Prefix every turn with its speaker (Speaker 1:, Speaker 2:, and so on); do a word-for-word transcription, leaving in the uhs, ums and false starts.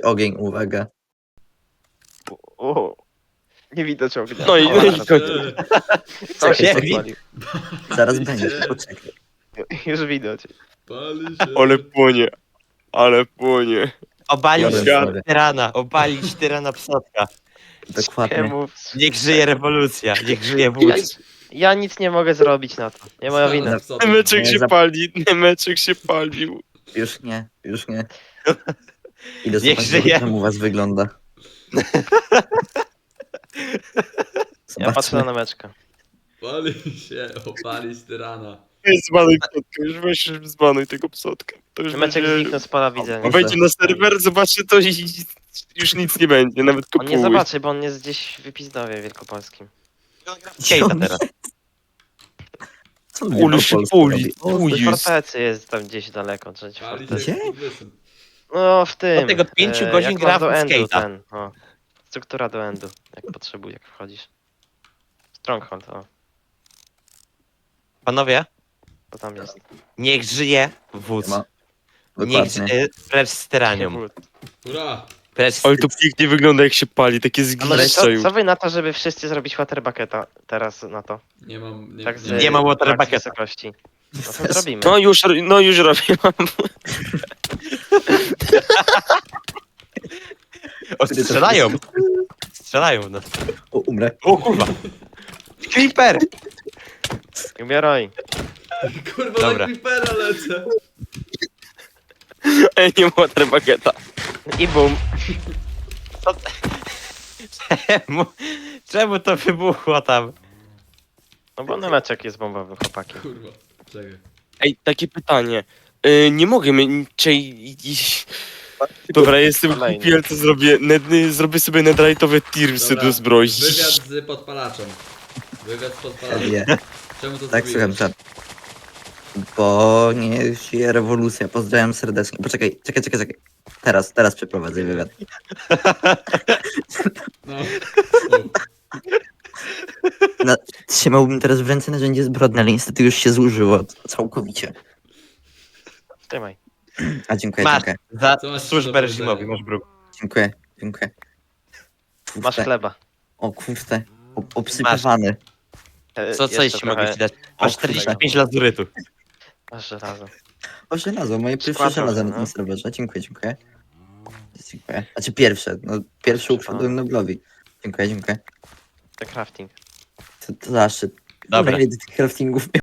Speaker 1: ogień, uwaga.
Speaker 2: O, nie widać ognia.
Speaker 3: No i-
Speaker 2: O,
Speaker 3: no i
Speaker 2: zaraz.
Speaker 3: koniec.
Speaker 2: Co się
Speaker 1: Czekaj,
Speaker 2: zapalił?
Speaker 1: Zaraz
Speaker 4: Pali
Speaker 1: będzie,
Speaker 4: się.
Speaker 1: poczekaj.
Speaker 2: Już widać.
Speaker 4: Pali się.
Speaker 3: Ale płonie. Ale płonie.
Speaker 5: Obalić
Speaker 1: Biorę
Speaker 3: Świat.
Speaker 1: sobie.
Speaker 5: tyrana, obalić tyrana psotka.
Speaker 1: Dokładnie.
Speaker 2: Nie mów.
Speaker 5: Niech żyje rewolucja, niech żyje
Speaker 2: Ja,
Speaker 5: wódz.
Speaker 2: ja nic nie mogę zrobić na to. Nie moja
Speaker 4: Stanę
Speaker 2: wina.
Speaker 4: w sobie.
Speaker 3: Nemeczek
Speaker 1: Nie,
Speaker 3: się
Speaker 1: za-
Speaker 3: pali, Nemeczek się palił.
Speaker 1: Już nie, już nie. Idę
Speaker 5: Niech
Speaker 1: zobaczyć,
Speaker 5: żyje.
Speaker 1: jak tam u was wygląda.
Speaker 2: Ja patrzę na
Speaker 1: Zobaczmy.
Speaker 2: nameczkę.
Speaker 4: Pali się, opalić tyrana.
Speaker 3: Weź zbanuj psotkę, już weź już zbanuj tego psotka. To już
Speaker 2: Meczek
Speaker 3: będzie...
Speaker 2: zniknął z pola widzenia.
Speaker 3: Wejdzie na serwer, zobaczy to i już nic nie będzie, nawet
Speaker 2: On nie
Speaker 3: kopuły.
Speaker 2: zobaczy, bo on jest gdzieś w Wypizdowie wielkopolskim.
Speaker 5: Skate'a teraz.
Speaker 1: Co on
Speaker 3: Ulu
Speaker 1: po
Speaker 3: się
Speaker 1: polsku
Speaker 3: puli.
Speaker 1: robi? O,
Speaker 3: Uj,
Speaker 2: W
Speaker 3: jest.
Speaker 2: fortecy jest tam gdzieś daleko. Trzeci
Speaker 4: Pali
Speaker 2: fortecy.
Speaker 4: się
Speaker 1: Gdzie?
Speaker 4: wysyn.
Speaker 2: No w tym.
Speaker 5: Od tego pięciu
Speaker 2: e,
Speaker 5: godzin
Speaker 2: jak
Speaker 5: gra
Speaker 2: masz do
Speaker 5: w
Speaker 2: endu
Speaker 5: skate'a.
Speaker 2: ten. O. Struktura do endu. Jak potrzebujesz, jak wchodzisz. Stronghold, o.
Speaker 5: Panowie,
Speaker 2: To tam jest.
Speaker 5: niech żyje wódz.
Speaker 1: Nie ma.
Speaker 5: Niech
Speaker 1: Dokładnie.
Speaker 5: żyje precz z tyranią.
Speaker 4: Hurra!
Speaker 5: Precz z...
Speaker 3: Ale to pięknie wygląda jak się pali, takie
Speaker 2: A może co,
Speaker 3: zgliszcza już.
Speaker 2: co wy na to, żeby wszyscy zrobić waterbucketa teraz na to?
Speaker 4: Nie mam... Nie,
Speaker 2: Tak z,
Speaker 5: Nie ma waterbucketa.
Speaker 2: tak z wysokości. No to zrobimy.
Speaker 3: No już, no już robię.
Speaker 5: O, strzelają! Strzelają w nas.
Speaker 1: O, umrę.
Speaker 5: O kurwa! Creeper!
Speaker 2: Umieraj.
Speaker 4: Kurwa,
Speaker 5: Dobra.
Speaker 4: na creepera lecę.
Speaker 3: Ej, nie ma waterbucketa.
Speaker 2: I bum.
Speaker 5: Czemu, czemu to wybuchło tam?
Speaker 2: No bo nameczek jest bombowy, chłopaki.
Speaker 4: Kurwa, czekaj.
Speaker 3: Ej, takie pytanie. Y, nie mogę mieć... Dobra, jestem
Speaker 2: Kolejny.
Speaker 3: głupi, ale to zrobię. Ned, zrobię sobie netherite'owe tirsy
Speaker 4: Dobra,
Speaker 3: do zbroi.
Speaker 4: Wywiad z podpalaczem. Wywiad z podpalaczem.
Speaker 1: Nie.
Speaker 4: Czemu to
Speaker 1: Tak, słucham,
Speaker 4: zrobiłeś?
Speaker 1: czat. Bo nie żyje rewolucja. Pozdrawiam serdecznie. Poczekaj, czekaj, czekaj, czekaj. Teraz, teraz przeprowadzę wywiad.
Speaker 4: No.
Speaker 1: No, trzymałbym teraz w ręce narzędzie zbrodne, ale niestety już się zużyło całkowicie.
Speaker 2: Trzymaj.
Speaker 1: A dziękuję,
Speaker 5: Masz
Speaker 1: dziękuję.
Speaker 5: za
Speaker 4: Co masz do
Speaker 5: służbę
Speaker 4: powiedzenia?
Speaker 5: reżimowi, masz bruk.
Speaker 1: Dziękuję, dziękuję. Kurde.
Speaker 2: Masz chleba.
Speaker 1: O kurde, o, obsypywany.
Speaker 2: E,
Speaker 5: Co, co jeszcze mogę ci dać? Masz
Speaker 1: O,
Speaker 5: czterdzieści
Speaker 1: kurde.
Speaker 5: pięć lazurytu.
Speaker 2: Masz żelazo.
Speaker 1: O, żelazo, moje pierwsze
Speaker 2: Składam,
Speaker 1: żelazo na
Speaker 2: no.
Speaker 1: tym serwerze. Dziękuję, dziękuję. Dziękuję. Znaczy pierwsze, no pierwsze ukradłem Noblowi. Dziękuję, dziękuję.
Speaker 2: The crafting.
Speaker 1: To, to zaszczyt.
Speaker 5: Dobra.
Speaker 1: Ile ty tych craftingów